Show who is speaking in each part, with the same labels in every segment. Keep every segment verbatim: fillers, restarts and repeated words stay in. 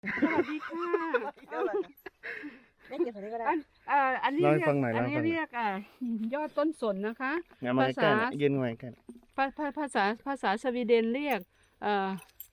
Speaker 1: สวัสดีค่ะ
Speaker 2: ไม่เก็บอะไรก็ได้
Speaker 1: อันเอ่ออันนี้เรียกอันนี้เรียกอ่ายอดต้นสนนะคะภาษา
Speaker 3: ยืนไว้กัน
Speaker 1: ภาภาษาภาษาสวีเดนเรียกเอ่อ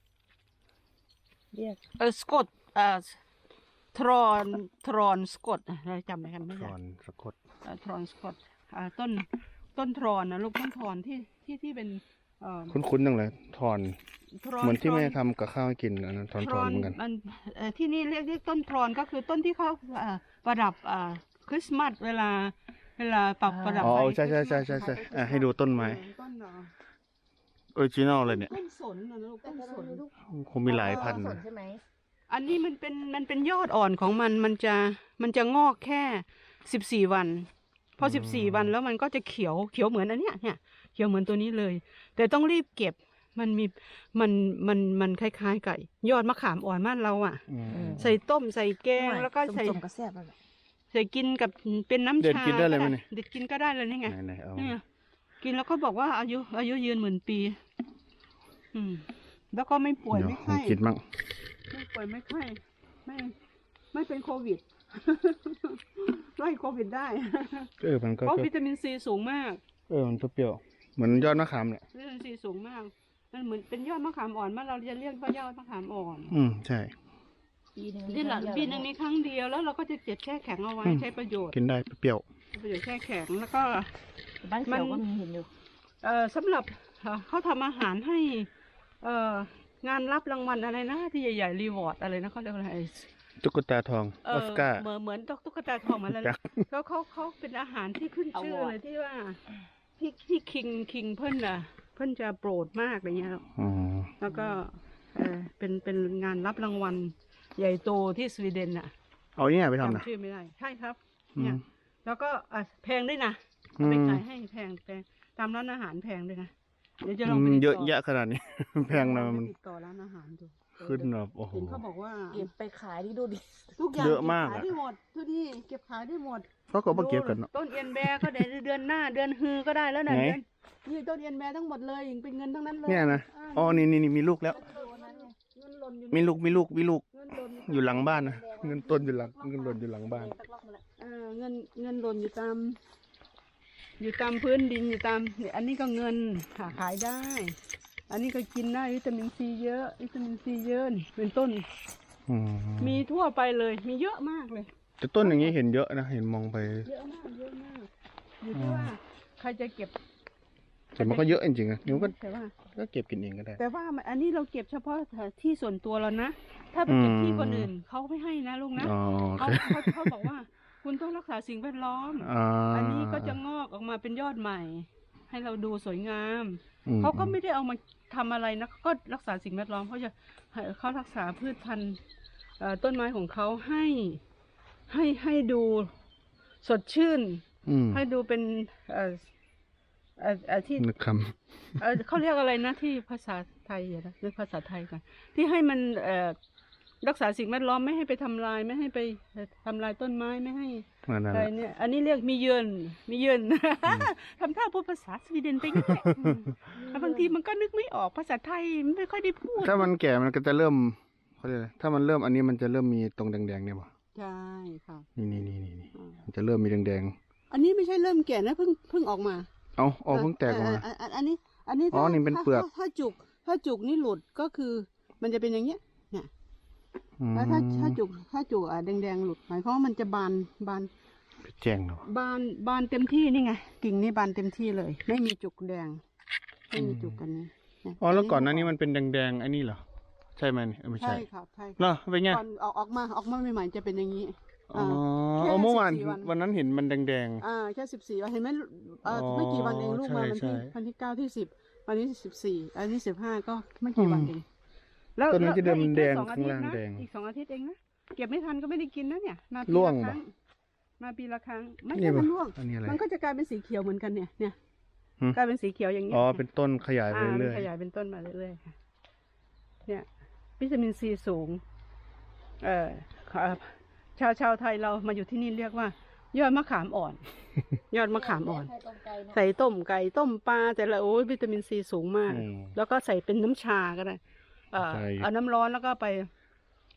Speaker 2: เรียก
Speaker 1: เออสกอตเอ่อทรอนทรอนสกอตเราจำไหมกันไม่ได้
Speaker 3: ทรอนสกอต
Speaker 1: ทรอนสกอตอ่าต้นต้นทรอนนะลูกต้นทรอนที่ที่ที่เป็นเอ่อ
Speaker 3: คุ้นๆจังเลยทรอนเหมือนที่แม่ทำกับข้าวให้กินอันนั้นทรอนทรอนเหมือนกัน
Speaker 1: มันที่นี่เรียกเรียกต้นทรอนก็คือต้นที่เขาประดับคริสต์มาสเวลาเวลาปักประดับ
Speaker 3: อ๋อใช่ใช่ใช่ใช่ใช่ให้ดูต้นไม้ออริจินอลเลยเนี่ย
Speaker 1: ต้นสนนะลูกต้นสน
Speaker 3: คงมีหลายพัน
Speaker 2: สนใช่ไหม
Speaker 1: อันนี้มันเป็นมันเป็นยอดอ่อนของมันมันจะมันจะงอกแค่สิบสี่วันพอสิบสี่วันแล้วมันก็จะเขียวเขียวเหมือนอันเนี้ยเนี่ยเขียวเหมือนตัวนี้เลยแต่ต้องรีบเก็บมันมีมันมันมันคล้ายๆไก่ยอดมะขามอ่อนบ้านเราอ่ะใส่ต้มใส่แกงแล้วก็ใส่ใส่กินกับเป็นน้ำชา
Speaker 3: เด็ดกินได้เลยไหมเนี่ย
Speaker 1: เด็ดกินก็ได้เลยนี่ไง
Speaker 3: เนี่ย
Speaker 1: กินแล้วก็บอกว่าอายุอายุยืนหมื่นปีอืมแล้วก็ไม่ป่วยไม่ไข้
Speaker 3: กินมั่ง
Speaker 1: ไม่ป่วยไม่ไข้ไม่ไม่เป็นโควิดไล่โควิดได้
Speaker 3: เออมันก็
Speaker 1: เพราะวิตามินซีสูงมาก
Speaker 3: เออมันเปรี้ยวเหมือนยอดมะขามเนี่ย
Speaker 1: วิตามินซีสูงมากมันเหมือนเป็นยอดมะขามอ่อนบ้านเราจะเรียกว่ายอดมะขามอ่อน
Speaker 3: อืมใช่
Speaker 1: ปีหนึ่งนี่แหละปีหนึ่งมีครั้งเดียวแล้วเราก็จะเก็บแช่แข็งเอาไว้ใช้ประโยชน์
Speaker 3: กินได้เปรี้ยว
Speaker 1: ประโยชน์แช่แข็งแล้วก็
Speaker 2: บ้านเราก็มีเห็นอยู่
Speaker 1: เอ่อสำหรับเขาทำอาหารให้เอ่องานรับรางวัลอะไรนะที่ใหญ่ๆรีวอร์ดอะไรนะเขาเรียกอะไร
Speaker 3: ตุ๊กตาทองออสการ์
Speaker 1: เหมือนเหมือนตุ๊กตาทองอะไรเขาเขาเขาเป็นอาหารที่ขึ้นชื่อเลยที่ว่าที่ที่คิงคิงเพิ่นอ่ะเพิ่นจะโปรดมากอะไรเงี้ยแล้วก็เออเป็นเป็นงานรับรางวัลใหญ่โตที่สวีเดนอ่ะ
Speaker 3: เอาเนี่ยไปทำนะ
Speaker 1: ชื่อไม่ได้ใช่ครับเนี่ยแล้วก็แพงด้วยนะไปขายให้แพงแพงตามร้านอาหารแพงด้วยนะเดี๋ยวจะลองไป
Speaker 3: เยอะแยะขนาดนี้แพงนะมัน
Speaker 1: ติดต่อร้านอาหารดู
Speaker 3: ขึ้นแบบโอ้โห
Speaker 1: เขาบอกว่า
Speaker 2: เก็บไปขายที่ดูดิ
Speaker 1: ทุกอย่างเก็บขายได้หมดทุกที่เก็บขายได้หมด
Speaker 3: เขาก็มาเก็บกัน
Speaker 1: ต้นเอียนแบร์ก็ได้เดือนหน้าเดือนฮือก็ได้แล้วนะเดือนนี่ต้นเอียนแบร์ทั้งหมดเลยเป็นเงินทั้งนั้นเลย
Speaker 3: เนี่ยนะอ๋อนี่นี่มีลูกแล้วมีลูกมีลูกมีลูกอยู่หลังบ้านนะเงินต้นอยู่หลังเงินหล่นอยู่หลังบ้าน
Speaker 1: เออเงินเงินหล่นอยู่ตามอยู่ตามพื้นดินอยู่ตามเนี่ยอันนี้ก็เงินหาขายได้อันนี้ก็กินได้วิตามินซีเยอะวิตามินซีเยอะนี่เป็นต้นมีทั่วไปเลยมีเยอะมากเลย
Speaker 3: แต่ต้นอย่างนี้เห็นเยอะนะเห็นมองไป
Speaker 1: เยอะมากเยอะมากอยู่ที่ว่าใครจะเก็บ
Speaker 3: แต่มันก็เยอะจริงๆนะนิ้วก็ก็เก็บกินเองก็ได้
Speaker 1: แต่ว่าอันนี้เราเก็บเฉพาะที่ส่วนตัวเรานะถ้าไปเก็บที่คนอื่นเขาไม่ให้นะลุงนะเขาเขาเขาบอกว่าคุณต้องรักษาสิ่งแวดล้อมอันนี้ก็จะงอกออกมาเป็นยอดใหม่ให้เราดูสวยงามเขาก็ไม่ได้เอามาทำอะไรนะก็รักษาสิ่งแวดล้อมเขาจะเขารักษาพืชพันธุ์ต้นไม้ของเขาให้ให้ให้ดูสดชื่นให้ดูเป็นเอ่อเอ่อที่
Speaker 3: นึกคำ
Speaker 1: เออเขาเรียกอะไรนะที่ภาษาไทยนะนึกภาษาไทยกันที่ให้มันเอ่อรักษาสิ่งแวดล้อมไม่ให้ไปทำลายไม่ให้ไปทำลายต้นไม้ไม่ให้อะไรเนี่ยอันนี้เรียกมีเยินมีเยินทำท่าพูดภาษาสวีเดนไปงั้นแหละบางทีมันก็นึกไม่ออกภาษาไทยไม่ค่อยได้พูด
Speaker 3: ถ้ามันแก่มันก็จะเริ่มเขาเรียกถ้ามันเริ่มอันนี้มันจะเริ่มมีตรงแดงๆเนี่ยป่ะ
Speaker 1: ใช่ค่ะ
Speaker 3: นี่นี่นี่นี่มันจะเริ่มมีแดง
Speaker 1: ๆอันนี้ไม่ใช่เริ่มแก่นะเพิ่งเพิ่งออกมา
Speaker 3: เอาเอาเพิ่งแตกออกมา
Speaker 1: อันนี้อันนี้
Speaker 3: อ๋อนี่เป็นเปลือก
Speaker 1: ถ้าจุกถ้าจุกนี่หลุดก็คือมันจะเป็นอย่างเงี้ยเนี่ยแล้วถ้าถ้าจุกถ้าจุกอ่ะแดงๆหลุดหมายความว่ามันจะบานบาน
Speaker 3: แจ้งเนาะ
Speaker 1: บานบานเต็มที่นี่ไงกิ่งนี่บานเต็มที่เลยไม่มีจุกแดงไม่มีจุกกันนี้
Speaker 3: อ๋อแล้วก่อนหน้านี้มันเป็นแดงๆไอ้นี่เหรอใช่ไหมไม่ใช่
Speaker 1: ใช่ครับใช่
Speaker 3: เหรอเป็นไง
Speaker 1: ก่อนออกออกมาออกมาใหม่ๆจะเป็นอย่างนี้
Speaker 3: อ๋อเมื่อวานวันนั้นเห็นมันแดง
Speaker 1: ๆอ่าแค่สิบสี่วันเห็นไหมไม่กี่วันเองลูกมาวันที่วันที่เก้าที่สิบวันนี้สิบสี่อันนี้สิบห้าก็ไม่กี่วันเอง
Speaker 3: แล้วต้นนี้จะเดิมแดงข้างล่างแดง
Speaker 1: อีกสองอาทิตย์เองนะเก็บไม่ทันก็ไม่ได้กินนะเนี่ยมา
Speaker 3: ปีละ
Speaker 1: ครั้งมาปีละครั้งไม่ใช่มันร่วงมันก็จะกลายเป็นสีเขียวเหมือนกันเนี่ยเนี่ยกลายเป็นสีเขียวอย่างนี้
Speaker 3: อ๋อเป็นต้นขยายไปเรื่อย
Speaker 1: ขยายเป็นต้นมาเรื่อยๆค่ะเนี่ยวิตามินซีสูงเอ่อชาวชาวไทยเรามาอยู่ที่นี่เรียกว่ายอดมะขามอ่อนยอดมะขามอ่อนใส่ต้มไก่ต้มปลาแต่ละโอ้ยวิตามินซีสูงมากแล้วก็ใส่เป็นน้ำชาก็ได้เอ่อเอาน้ำร้อนแล้วก็ไป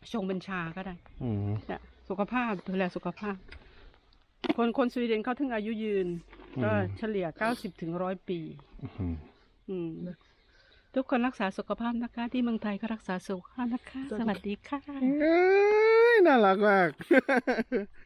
Speaker 1: ชงเป็นชาก็ได้
Speaker 3: อืม
Speaker 1: เนี่ยสุขภาพดูแลสุขภาพ คนคนสวีเดนเขาถึงอายุยืน ก็เฉลี่ยเก้าสิบถึงร้อยปี
Speaker 3: อืม
Speaker 1: อืมทุกคนรักษาสุขภาพนะคะ ที่เมืองไทยก็รักษาสุขภาพนะคะ สวัสดีค่ะ
Speaker 3: เอ้ยน่ารักมาก